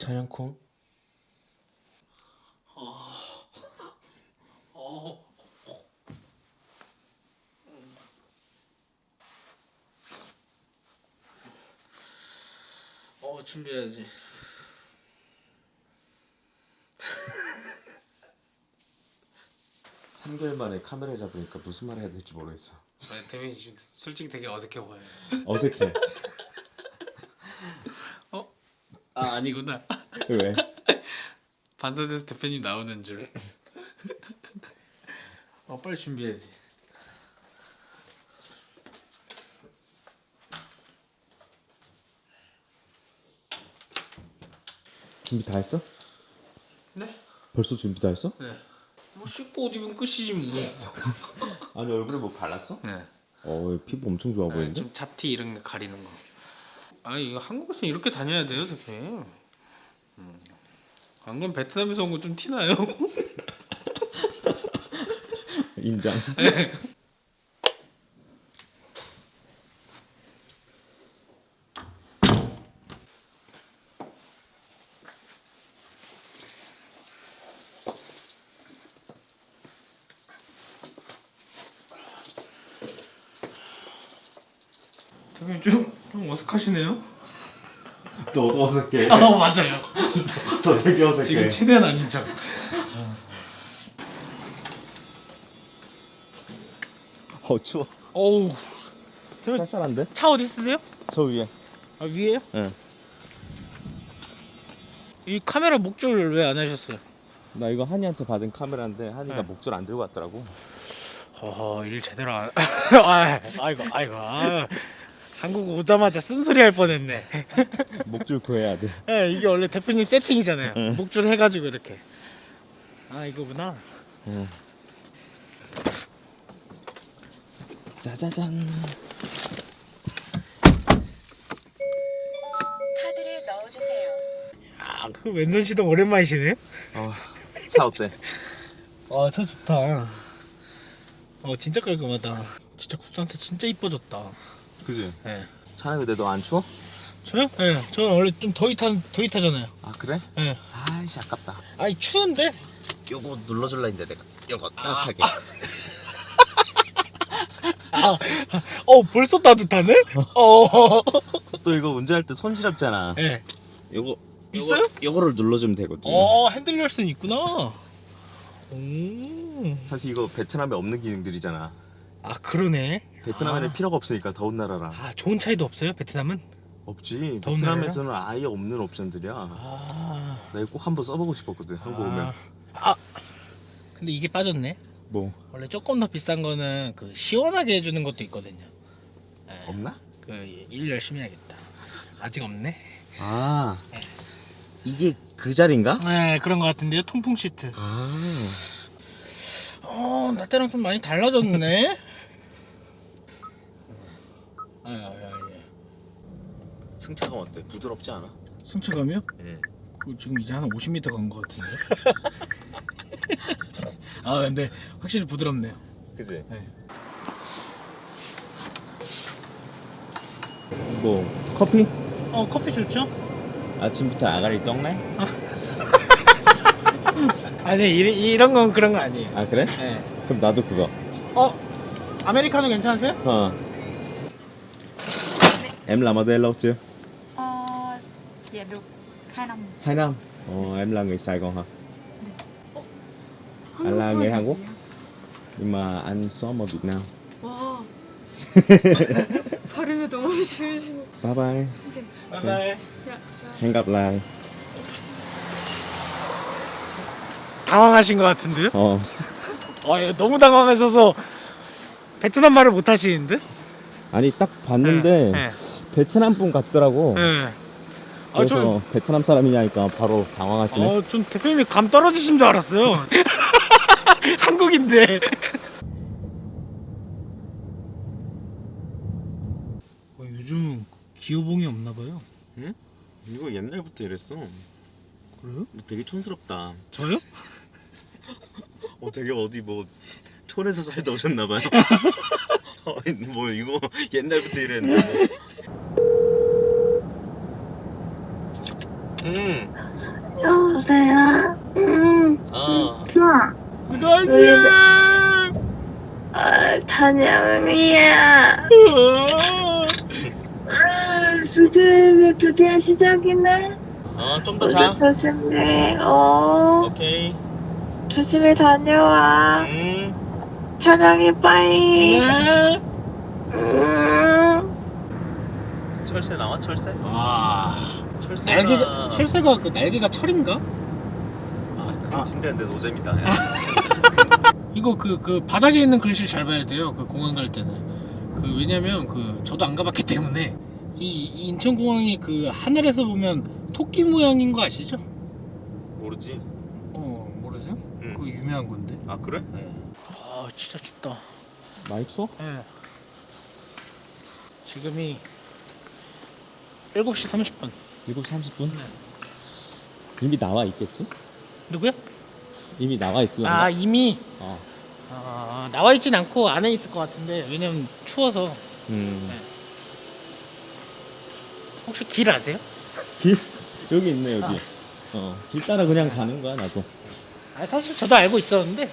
촬영콩? 준비해야지. 삼 개월 만에 카메라 잡으니까 무슨 말 해야 될지 모르겠어. 아니, 대민이 지금 솔직히 되게 어색해 보여요. 어색해. 아니구나. 왜? 반사돼서 대표님 나오는 줄. 빨리 준비해야지. 준비 다 했어? 네? 벌써 준비 다 했어? 네. 뭐 씻고 옷 입으면 끝이지 뭐. 아니 얼굴에 뭐 발랐어? 네. 피부 엄청 좋아 보이는데? 좀 잡티 이런 거 가리는 거. 아니 이거 한국에서 이렇게 다녀야 돼요, 대표님. 안 그럼 베트남에서 온 거 좀 티나요? 인정. 대표님 좀 어색하시네요. 너 어색해. 맞아요. 너 되게 어색해. 지금 최대한 아닌 척. 추워. 어우. 쌀쌀한데? 차 어디 쓰세요? 저 위에. 아 위에요? 응. 이 카메라 목줄 왜 안 하셨어요? 나 이거 한이한테 받은 카메라인데 한이가 네. 목줄 안 들고 왔더라고. 허허 일 제대로 안. 아이고. 한국 오자마자 쓴소리 할 뻔했네. 목줄 구해야 돼. 네, 이게 원래 대표님 세팅이잖아요. 응. 목줄 해가지고 이렇게. 이거구나. 응. 짜자잔. 카드를 넣어주세요. 그 왼손 시동 오랜만이시네. 차 어때? 차 좋다. 진짜 깔끔하다. 진짜 국산차 진짜 이뻐졌다. 그지? 네. 차는 근데 너 안 추워? 저요? 네. 저는 원래 좀 더위 타잖아요. 아 그래? 네. 아이씨 아깝다. 아니 추운데. 요거 눌러줄라 했는데 내가 요거 따뜻하게. 벌써 따뜻하네? 또 이거 운전할 때 손 시렵잖아. 네. 요거 있어요? 요거를 눌러주면 되거든. 핸들 열쇠는 있구나. 사실 이거 베트남에 없는 기능들이잖아. 그러네. 베트남에는 필요가 없으니까 더운 나라라. 좋은 차이도 없어요? 베트남은? 없지. 더운 베트남에서는 아예 없는 옵션들이야. 나 이거 꼭 한번 써보고 싶었거든. 한국 오면. 근데 이게 빠졌네. 뭐 원래 조금 더 비싼 거는 그 시원하게 해주는 것도 있거든요. 네. 없나? 일 열심히 해야겠다. 아직 없네. 이게 그 자리인가? 네, 그런 거 같은데요. 통풍 시트. 나 때랑 좀 많이 달라졌네. 승차감 어때? 부드럽지 않아? 승차감이요? 예. 지금 이제 한 50m 간 거 같은데. 근데 확실히 부드럽네요. 그지? 네. 뭐 커피? 커피 좋죠? 아침부터 아가리 떡네? 아니 이런 건 그런 거 아니에요. 아 그래? 네. 그럼 나도 그거. 아메리카노 괜찮으세요? Em làm ở đây lâu chưa? Dạ được 2 năm. 2 năm. Em là người Sài Gòn hả? Anh là người Hàn Quốc. Nhưng mà anh sống ở Việt Nam. 와 발음이 너무 심심해. Bye bye. 바이바이. Hẹn gặp lại. 당황하신 것 같은데요? 너무 당황하셔서 베트남 말을 못 하시는데? 아니 딱 봤는데 네. 베트남 분 같더라고. 네. 그래서 베트남 사람이냐니까 바로 당황하시네. 전 대표님이 감 떨어지신 줄 알았어요. 한국인데. 요즘 기어봉이 없나 봐요. 응? 이거 옛날부터 이랬어. 그래요? 되게 촌스럽다. 저요? 되게 어디 뭐 촌에서 살다 오셨나봐요. 뭐 이거 옛날부터 이랬는데. 여보세요? 수고하세요. 찬양이야. 수요일에 드디어 시작이네. 좀 더 자. 조심히, 오케이. 조심히 다녀와. 찬양이 빠이. 네. 철새 나와 철새? 아, 철새가 철새가 그 날개가 철인가? 그건 진짜인데 노잼이다. 이거 그 바닥에 있는 글씨를 잘 봐야 돼요. 그 공항 갈 때는. 그 왜냐면 그 저도 안 가봤기 때문에 이 인천공항이 그 하늘에서 보면 토끼 모양인 거 아시죠? 모르지. 모르세요? 응. 그거 유명한 건데. 아 그래? 네. 아 진짜 춥다. 많이 추워? 네. 지금이 7시 30분. 7시 30분? 네. 이미 나와 있겠지? 누구야? 이미 나와 있을란가? 아 이미 어. 나와 있진 않고 안에 있을 것 같은데 왜냐면 추워서. 네. 혹시 길 아세요? 길 여기 있네 여기. 길 따라 그냥 가는 거야 나도. 아 사실 저도 알고 있었는데.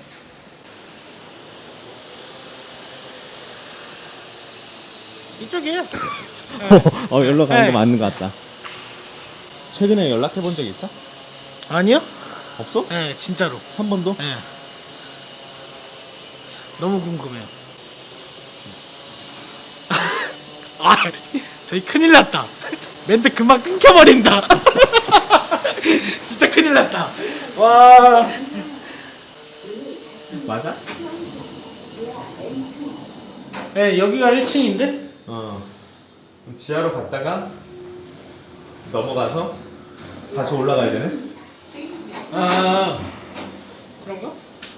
이쪽이에요. 여기로 가는 네. 거 맞는 것 같다. 최근에 연락해 본 적 있어? 아니요? 없어? 네 진짜로. 한 번도? 네. 너무 궁금해요. 아 저희 큰일 났다. 멘트 금방 끊겨버린다. 진짜 큰일 났다. 와. 맞아? 네 여기가 1층인데? 그럼 지하로 갔다가 넘어가서 다시 올라가야 되네? 아 그런가?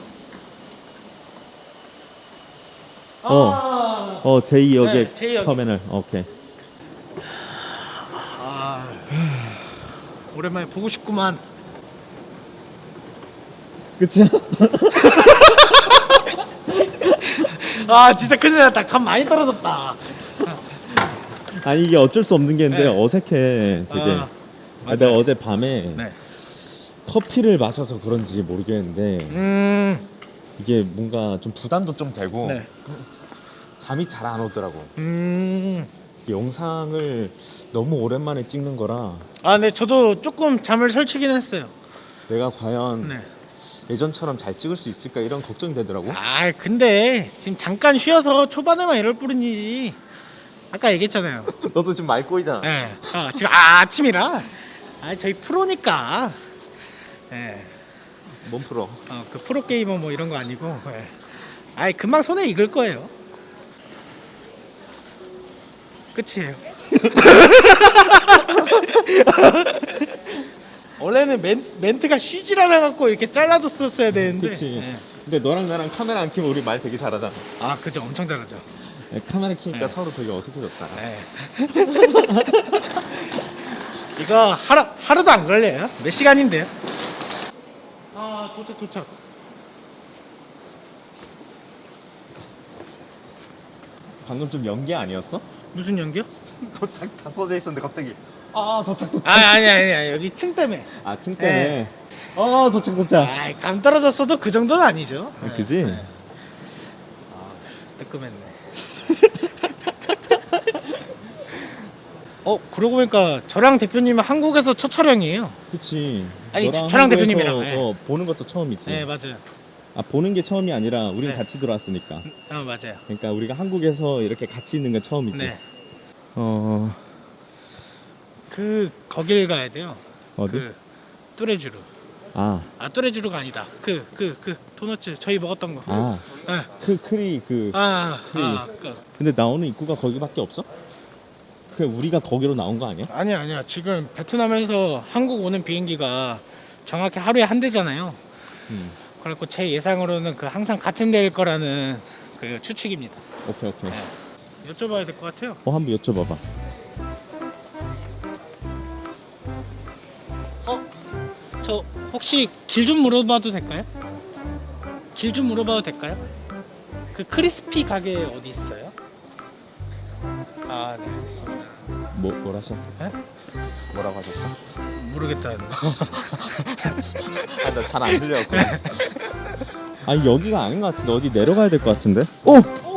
제2역의 네, 제2역. 터미널. 오케이. 오랜만에 보고 싶구만. 그치? 아 진짜 큰일 났다. 감 많이 떨어졌다. 아니 이게 어쩔 수 없는 게 있는데 네. 어색해 되게. 내가 어제 밤에 네. 커피를 마셔서 그런지 모르겠는데 이게 뭔가 좀 부담도 좀 되고 네. 잠이 잘 안 오더라고. 음. 영상을 너무 오랜만에 찍는 거라 네 저도 조금 잠을 설치긴 했어요. 내가 과연 네. 예전처럼 잘 찍을 수 있을까 이런 걱정이 되더라고. 근데 지금 잠깐 쉬어서 초반에만 이럴 뿐이지. 아까 얘기했잖아요. 너도 지금 말 꼬이잖아. 네. 지금 아침이라. 저희 프로니까. 네. 몸 풀어. 그 프로 게이머 뭐 이런 거 아니고. 네. 금방 손에 익을 거예요. 끝이에요. 원래는 멘트가 쉬질 않아 갖고 이렇게 잘라줬었어야 되는데. 그치. 네. 근데 너랑 나랑 카메라 안 켜면 우리 말 되게 잘하잖아. 그죠. 엄청 잘하죠. 네, 카메라 켜니까 네. 서로 되게 어색해졌다. 네. 이거 하루도 안 걸려요. 몇 시간인데요? 도착. 방금 좀 연기 아니었어? 무슨 연기요? 도착 다 써져 있었는데 갑자기 도착. 아니 여기 층 때문에. 층 때문에. 도착. 감 떨어졌어도 그 정도는 아니죠. 그지? 뜨끔했네. 그러고 보니까 저랑 대표님은 한국에서 첫 촬영이에요. 그치. 아니, 너랑 저랑 한국에서, 대표님이랑, 네. 보는 것도 처음이지. 네 맞아요. 보는 게 처음이 아니라 우린 네. 같이 들어왔으니까. 맞아요. 그러니까 우리가 한국에서 이렇게 같이 있는 건 처음이지. 네. 거길 가야 돼요. 어디? 뚜레쥬르. 뚜레쥬르가 아니다. 도너츠 저희 먹었던 거. 네. 크리 근데 나오는 입구가 거기밖에 없어? 우리가 거기로 나온 거 아니야? 아니야. 지금 베트남에서 한국 오는 비행기가 정확히 하루에 한 대잖아요. 그래갖고 제 예상으로는 항상 같은 데일 거라는 추측입니다. 오케이. 네. 여쭤봐야 될 것 같아요. 한번 여쭤봐봐. 저 혹시 길 좀 물어봐도 될까요? 그 크리스피 가게 어디 있어요? 네 알겠습니다. 뭐라셔? 네? 뭐라고 하셨어? 모르겠다. 나 잘 안 들려갖고. 아니 여기가 아닌 것 같은데 어디 내려가야 될 것 같은데? 오!